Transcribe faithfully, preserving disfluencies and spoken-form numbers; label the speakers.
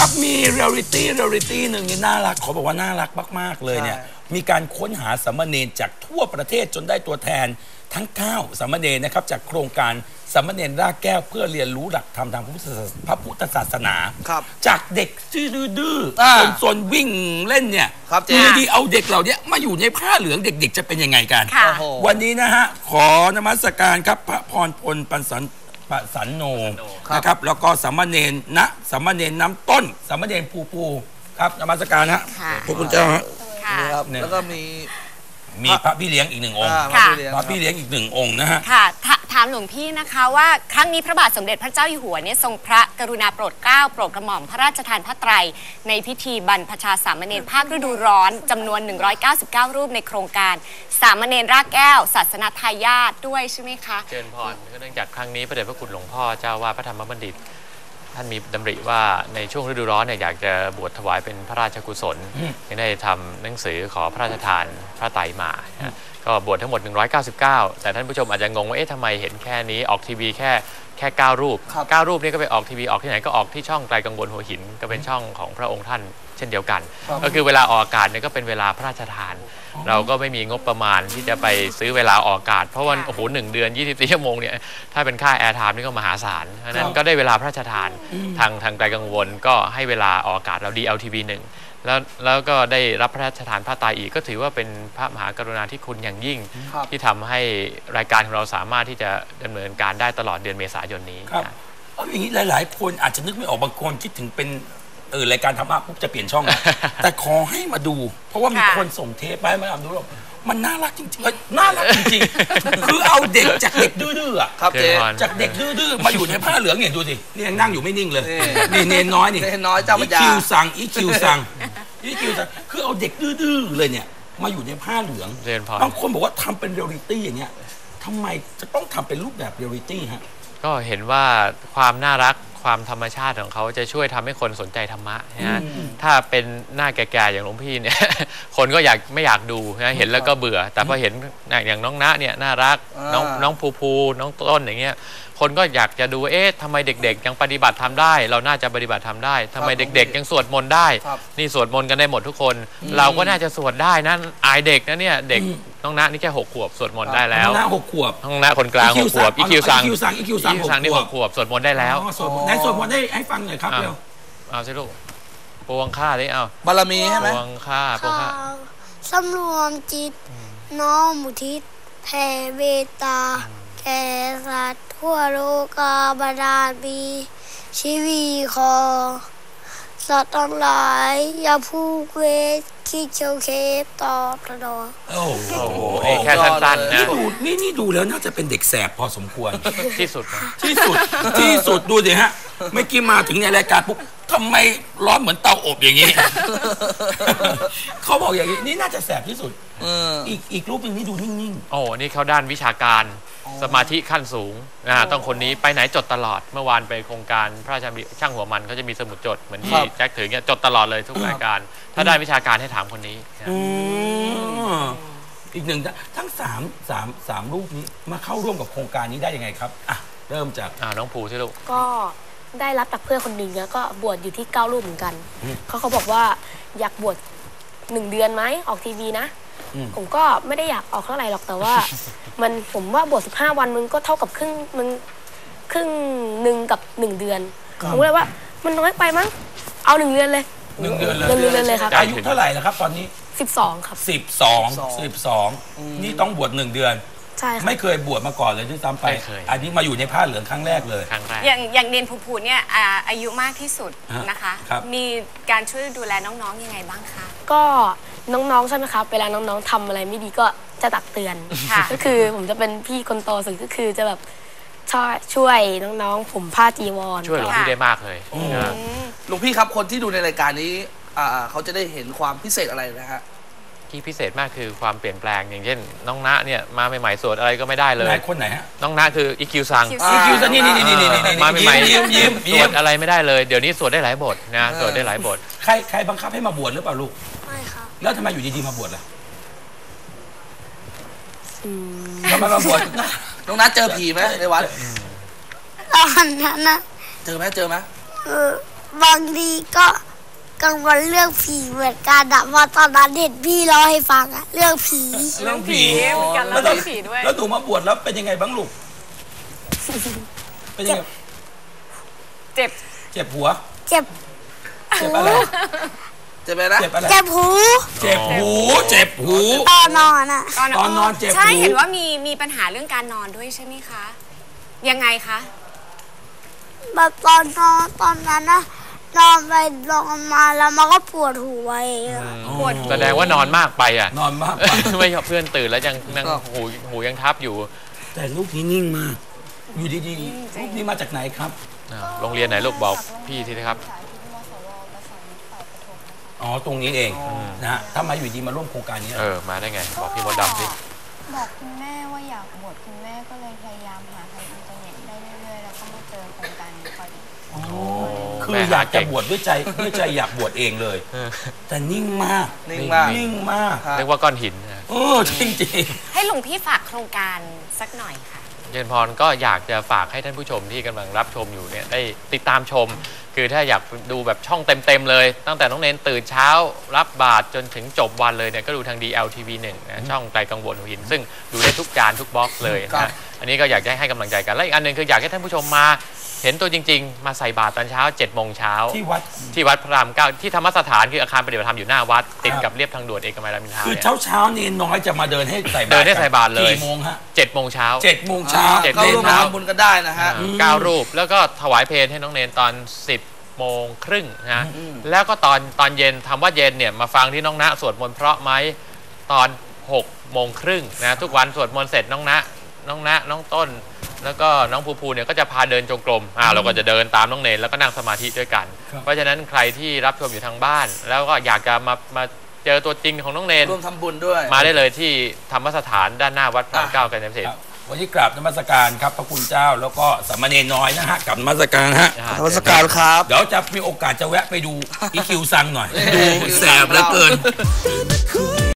Speaker 1: ครับมีเรียลลิตี้เรียลลิตี้หนึ่งนี่น่ารักขอบอกว่าน่ารักมากๆเลยเนี่ยมีการค้นหาสามเณรจากทั่วประเทศจนได้ตัวแทนทั้งเก้าสามเณรนะครับจากโครงการสามเณรรากแก้วเพื่อเรียนรู้หลักธรรมทางพระพุทธศาสนาจากเด็กดื้อๆซนๆวิ่งเล่นเนี่ยอยู่ดีๆเอาเด็กเหล่านี้มาอยู่ในผ้าเหลืองเด็กๆจะเป็นยังไงกันวันนี้นะฮะขอนมัสการครับพระพรพลปันสันปะสันโนนะครับแล้วก็สามเณรนะสามเณรน้ำต้นสามเณรปูปูครับนมัสการฮะพระคุณเจ้าฮะ
Speaker 2: แล้วก็มี
Speaker 1: มีพระพี่เลี้ยงอีกหนึ่งองค์พระพี่เลี้ยงอีกหนึ่งองค์นะฮะ
Speaker 3: ค่ะถามหลวงพี่นะคะว่าครั้งนี้พระบาทสมเด็จพระเจ้าอยู่หัวเนี่ยทรงพระกรุณาโปรดเกล้าโปรดกระหม่อมพระราชทานพระไตรในพิธีบรรพชาสามเณรภาคฤดูร้อนจำนวนหนึ่งร้อยเก้าสิบเก้ารูปในโครงการสามเณรรากแก้วศาสนทายาทด้วยใช่ไหมคะ
Speaker 4: เจริญพรเนื่องจากครั้งนี้พระเดชพระคุณหลวงพ่อเจ้าวาดพระธรรมบัณฑิตท่านมีดำริว่าในช่วงฤดูร้อนเนี่ยอยากจะบวชถวายเป็นพระราชกุศลยังได้ทำหนังสือขอพระราชทานพระไตรมาก็บวชทั้งหมดหนึ่งร้อยเก้าสิบเก้าแต่ท่านผู้ชมอาจจะงงว่าเอ๊ะทำไมเห็นแค่นี้ออกทีวีแค่แค่เก้ารูปเก้ารูปนี้ก็ไปออกทีวีออกที่ไหนก็ออกที่ช่องไกลกังวลหัวหินก็เป็นช่องของพระองค์ท่านเช่นเดียวกันก็คือเวลาออกอากาศเนี่ยก็เป็นเวลาพระราชทานเราก็ไม่มีงบประมาณที่จะไปซื้อเวลาออกอากาศเพราะว่าโอ้โหหนึ่งเดือนยี่สิบสี่ชั่วโมงเนี่ยถ้าเป็นค่าแอร์ไทม์นี่ก็มหาศาลเพราะนั้นก็ได้เวลาพระราชทานทางทางไกลกังวลก็ให้เวลาออกอากาศเรา ดี แอล ที วี หนึ่งแล้วแล้วก็ได้รับพระราชทานพระไตรอีกก็ถือว่าเป็นพระมหากรุณาธิคุณอย่างยิ่งที่ทำให้รายการของเราสามารถที่จะดำเนินการได้ตลอดเดือนเมษายนนี้
Speaker 1: ครับเอาอย่างนี้หลายๆคนอาจจะนึกไม่ออกบางคนคิดถึงเป็นเออรายการธรรมะปุ๊บจะเปลี่ยนช่อง แต่ขอให้มาดู เพราะว่ามีคนส่งเทปไปมาดูแล้วมันน่ารักจริงๆน่ารักจริงๆคือเอาเด็กจากเด็กดื้อๆอ่ะ
Speaker 2: ครับเจ๊
Speaker 1: จากเด็กดื้อๆมาอยู่ในผ้าเหลืองเนี่ยดูสินี่ยังนั่งอยู่ไม่นิ่งเลยนี่เนนน้อยนี่
Speaker 2: เนนน้อยเจ้าพระยา
Speaker 1: อีคิวสั่งอีคิวสั่งอีคิวสั่งคือเอาเด็กดื้อๆเลยเนี่ยมาอยู่ในผ้าเหลืองบางคนบอกว่าทำเป็นเรียลลิตี้อย่างเงี้ยทำไมจะต้องทำเป็นรูปแบบเรียลลิตี้ฮะ
Speaker 4: ก็เห็นว่าความน่ารักความธรรมชาติของเขาจะช่วยทำให้คนสนใจธรรมะนะถ้าเป็นหน้าแก่ๆอย่างหลวงพี่เนี่ยคนก็อยากไม่อยากดูนะเห็นแล้วก็เบื่อแต่พอเห็นอย่างน้องณเนี่ยน่ารักน้องน้องภูภูน้องต้นอย่างเงี้ยคนก็อยากจะดูเอ๊ะทำไมเด็กๆยังปฏิบัติทำได้เราน่าจะปฏิบัติทำได้ทำไมเด็กๆยังสวดมนต์ได้นี่สวดมนต์กันได้หมดทุกคนเราก็น่าจะสวดได้นั่นอายเด็กนะเนี่ยเด็กน้องณนี่แค่หกขวบสวดมนต์ได้แล้ว
Speaker 1: น้องณหกขวบ
Speaker 4: น้องณคนกลางหกขวบอีคิวซัง
Speaker 1: อีคิวซังอีคิวซัง
Speaker 4: นี่หกขวบสวดมนต์ได้แล้ว
Speaker 1: ไหนสวดมนต์ได้ให้ฟังหน่อยครับเร็ว
Speaker 4: เอาสิลูกปวงข้าดิเอา
Speaker 2: บารมีใช่ไหม
Speaker 4: ปวงข้าปวงข้า
Speaker 5: สำรวมจิตน้อมอุทิศแผ่เมตตาแก่สัตว์ทั่วโลกาบาดาลมีชีวีคอสัตว์ทั้งหลายอย่าพูกเวทคิดเชียวเคฟตอบตลอด
Speaker 1: โอ้โห
Speaker 4: แค่สั้นๆนะ
Speaker 1: นี่นี่ดูแล้วน่าจะเป็นเด็กแสบพอสมควร
Speaker 4: ที่สุด
Speaker 1: ที่สุดที่สุดดูสิฮะเมื่อกี้มาถึงในรายการปุ๊บทำไมร้อนเหมือนเตาอบอย่างนี้เขาบอกอย่างนี้นี่น่าจะแสบที่สุดอีกอีกรูปนึงนี่ดูนิ่ง
Speaker 4: ๆโอ้นี่เขาด้านวิชาการสมาธิขั้นสูงนะต้องคนนี้ไปไหนจดตลอดเมื่อวานไปโครงการพระราชดำริช่างหัวมันเขาจะมีสมุดจดเหมือนที่แจ็คถือเนี่ยจดตลอดเลยทุกรายการถ้าได้วิชาการให้ถามคนนี้
Speaker 1: อีกหนึ่งทั้งสามสามสามรูปนี้มาเข้าร่วมกับโครงการนี้ได้ยังไงครับอ่ะเริ่มจาก
Speaker 4: น้องภูใช่ลูก
Speaker 5: ก็ได้รับจากเพื่อนคนหนึ่งแล้วก็บวชอยู่ที่เก้ารูปเหมือนกันเขาเขาบอกว่าอยากบวชหนึ่งเดือนไหมออกทีวีนะผมก็ไม่ได้อยากออกเท่าไหร่หรอกแต่ว่ามันผมว่าบวชสิบห้าวันมันก็เท่ากับครึ่งมันครึ่งหนึ่งกับหนึ่งเดือนผมเลยว่ามันน้อยไปมั้งเอาหนึ่งเดือนเลย
Speaker 1: หนึ่งเดือนเลย
Speaker 5: หนึ่งเดือนเลยครับ
Speaker 1: อายุเท่าไหร่แล้วครับตอนนี้
Speaker 5: สิบสองครับ
Speaker 1: สิบสองสิบสองนี่ต้องบวชหนึ่งเดือน
Speaker 5: ใช่ครับ
Speaker 1: ไม่เคยบวชมาก่อนเลยด้วยซ้ำไปอันนี้มาอยู่ในผ้าเหลืองครั้งแรกเลย
Speaker 3: อย่างอย่างเนนภูภูเนี่ยอายุมากที่สุดนะคะมีการช่วยดูแลน้องๆยังไงบ้างคะ
Speaker 5: ก็น้องๆใช่ไหมครับเวลาน้องๆทำอะไรไม่ดีก็จะตักเตือนก็คือผมจะเป็นพี่คนโตสุดก็คือจะแบบช่วยช่วยน้องๆผมผ้าจีวร
Speaker 4: ช่วยหลวงพี่ได้มากเลย
Speaker 2: หลวงพี่ครับคนที่ดูในรายการนี้เขาจะได้เห็นความพิเศษอะไรนะฮะ
Speaker 4: ที่พิเศษมากคือความเปลี่ยนแปลงอย่างเช่นน้องณเนี่ยมาใหม่ๆสวดอะไรก็ไม่ได้เลย
Speaker 1: คนไหนฮะ
Speaker 4: น้องณคืออีคิวซัง
Speaker 1: อีคิวซังนี่นี่นี่นี่
Speaker 4: มาใหม่ๆสวดอะไรไม่ได้เลยเดี๋ยวนี้สวดได้หลายบทนะสวดได้หลายบท
Speaker 1: ใครใครบังคับให้มาบวชหรือเปล่าลูก
Speaker 5: ไม่ครับ
Speaker 1: แล้วทำไมอยู่ดีๆมาบวชล่ะทำไมมาบวช
Speaker 2: น้องณเจอผีไหมในวัด
Speaker 5: ตอนนั้นนะ
Speaker 2: เจอไหมเจอไหม
Speaker 5: เออ
Speaker 6: บางทีก็กังวลเรื่องผีเหมือนกันอะเพราะตอนนั้นเห็นพี่เล่าให้ฟังอะเรื่องผี
Speaker 1: เรื่องผี
Speaker 3: เหมือนกันแล้ว
Speaker 1: แล้ว
Speaker 3: เรื่องผีด้วย
Speaker 1: แล้วหนูมาบวชแล้วเป็นยังไงบ้างลูกเป็นยังไง
Speaker 3: เจ็บ
Speaker 1: เจ็บหัว
Speaker 6: เจ็บ
Speaker 1: เจ็บอะไร
Speaker 2: จะไปนะ
Speaker 1: เจ็บอะไร
Speaker 6: เจ็บหู
Speaker 1: เจ็บหูเจ็บหู
Speaker 6: ตอนนอนอะ
Speaker 3: ตอน
Speaker 1: ตอนนอนเจ็บ
Speaker 3: ใช่
Speaker 1: หู
Speaker 3: เห็นว่ามีมีปัญหาเรื่องการนอนด้วยใช่ไหมคะ ยังไงคะ
Speaker 6: แบบตอนนอนตอนนั้นนะนอนไปนอนมาแล้วมันก็ปวดหัวเองอะ
Speaker 3: ปวด
Speaker 4: แสดงว่านอนมากไปอ่ะ
Speaker 1: นอนมากไป
Speaker 4: ไม่ยอมเพื่อนตื่นแล้วยังนั่งหูหูยังทับอยู่
Speaker 1: แต่ลูกนี้นิ่งมาก อยู่ดีๆลูกนี้มาจากไหนครับ
Speaker 4: อ่าโรงเรียนไหนลูกบอกพี่ทีนะครับ
Speaker 1: อ๋อตรงนี้เองนะฮะถ้ามาอยู่ดีมาร่วมโครงการนี้
Speaker 4: เออ มาได้ไง บอกพี่มดดำสิ
Speaker 7: บอกคุณแม่ว่าอยากบวชคุณแม่ก็เลยพยายามหาทางอินเทอร์เน็ตได้เรื่อยๆแล้วก็มาเจอโครงการนี้พอดี
Speaker 1: คืออยากจะบวชด้วยใจด้วยใจอยากบวชเองเลย แต่นิ่งมาก
Speaker 2: นิ่งมาก
Speaker 1: นิ่งมาก
Speaker 2: ครับ
Speaker 4: เรียกว่าก้อนหินนะ
Speaker 1: เออจริง
Speaker 3: ให้หลวงพี่ฝากโครงการสักหน่อยค่ะ
Speaker 4: เจริญพรก็อยากจะฝากให้ท่านผู้ชมที่กำลังรับชมอยู่เนี่ยได้ติดตามชม คือถ้าอยากดูแบบช่องเต็มๆเลย ตั้งแต่น้องเนนตื่นเช้ารับบาตรจนถึงจบวันเลยเนี่ยก็ดูทาง ดี แอล ที วี หนึ่งนะช่องไกลกังวลหัวหิน ซึ่งดูได้ทุกจานทุกบล็อกเลย
Speaker 2: ครั
Speaker 4: นะ
Speaker 2: บ
Speaker 4: อันนี้ก็อยากจะให้กำลังใจกันและอีกอันหนึ่งคืออยากให้ท่านผู้ชมมาเห็นตัวจริง ๆ มาใส่บาตรตอนเช้าเจ็ดโมงเช้า
Speaker 1: ๆที่วัด
Speaker 4: ที่วัดพระรามเก้าที่ธรรมสถานคืออาคารปฏิบัติธรรมอยู่หน้าวัดติดกับเรียบทางด่วนเอกมัยรามอินทรา
Speaker 1: คือ
Speaker 4: เนี่ย
Speaker 1: เช้าเช้าๆเนนน้อยจะมาเดินให้ใส่บาตร
Speaker 4: เดินให้ใส่บาตรเลย
Speaker 1: กี่โมงฮะ
Speaker 4: เจ็ดโมงเช้า
Speaker 1: เจ็ดโมงเช้า
Speaker 4: เจ็ด
Speaker 2: ก็
Speaker 4: โม
Speaker 2: ร่วมมาทำบุญกันได้นะฮะ
Speaker 4: เก้ารูปแล้วก็ถวายเพลให้น้องเนนตอนสิบโมงครึ่งนะแล้วก็ตอนตอนเย็นทำว่าเย็นเนี่ยมาฟังที่น้องณสวดมนต์เพราะไหมตอนหกโมงครึ่งนะทุกวันสวดมนต์เสร็จน้องณน้องณน้องต้น แล้วก็น้องภูภูเนี่ยก็จะพาเดินจงกรมอ่าเราก็จะเดินตามน้องเนนแล้วก็นั่งสมาธิด้วยกัน
Speaker 1: ครับ
Speaker 4: เพราะฉะนั้นใครที่รับชมอยู่ทางบ้าน แล้วก็อยากจะมามาเจอตัวจริงของน้องเนน
Speaker 2: ร่วมทำบุญด้วย
Speaker 4: มาได้เลยที่ธรรมสถานด้านหน้าวัดพระรามเก้ากันเกษต
Speaker 1: ค
Speaker 4: ร
Speaker 1: รับวันนี้กราบนมัสการครับพระคุณเจ้าแล้วก็สามเณรน้อยนะฮะกราบนมัสการฮะ
Speaker 2: นมัสการครับ
Speaker 1: เดี๋ยวจะมีโอกาสจะแวะไปดูอีคิวซังหน่อย ดูแสบเหลือเกิน